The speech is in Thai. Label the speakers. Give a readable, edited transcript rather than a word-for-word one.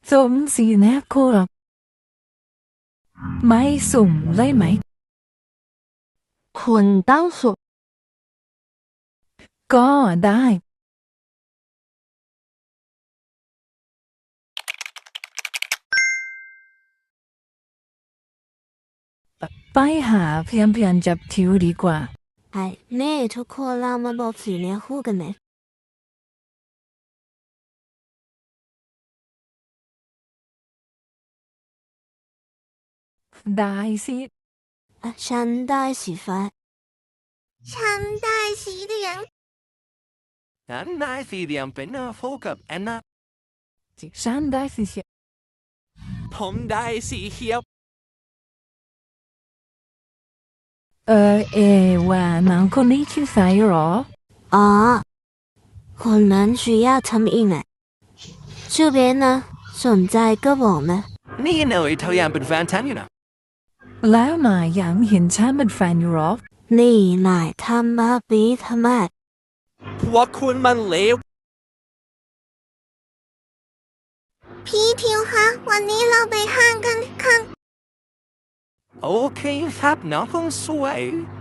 Speaker 1: สมสีแนบโครบไม่สุ่มเลยไหม
Speaker 2: 捆当锁
Speaker 1: ก็ได้ ไปหาเพียนจับทิวดีกว่า
Speaker 2: 係呢ทุกคนเรามาบอกสีเนื้อคู่กันไหม
Speaker 1: ได้สิ
Speaker 2: ฉันได้สีฟ้า
Speaker 3: ฉันได้สีเหลือง
Speaker 4: ฉันได้สีเหลืองเป็นโฟกับแอนนา
Speaker 1: ฉันได้สิเชีย
Speaker 4: ผมได้สีเขียว
Speaker 1: ว่าน้องคนนี้ชื่อสายหรอ
Speaker 2: อ๋อคนนั้น需要ทำอีกไหม这边呢สนใจก็บอกนะ
Speaker 4: นี่หน่อยเท่ายังเป็นแฟนฉันอยู่นะ
Speaker 1: แล้วนายยังเห็นฉันเป็นแฟนอยู่หรอ
Speaker 2: นี่นายทำมาปีทำไม
Speaker 4: พวกคุณมันเลว
Speaker 3: พี่ทิวคะวันนี้เราไปห้างกันค่ะ
Speaker 4: โอเคครับน้องคงสวย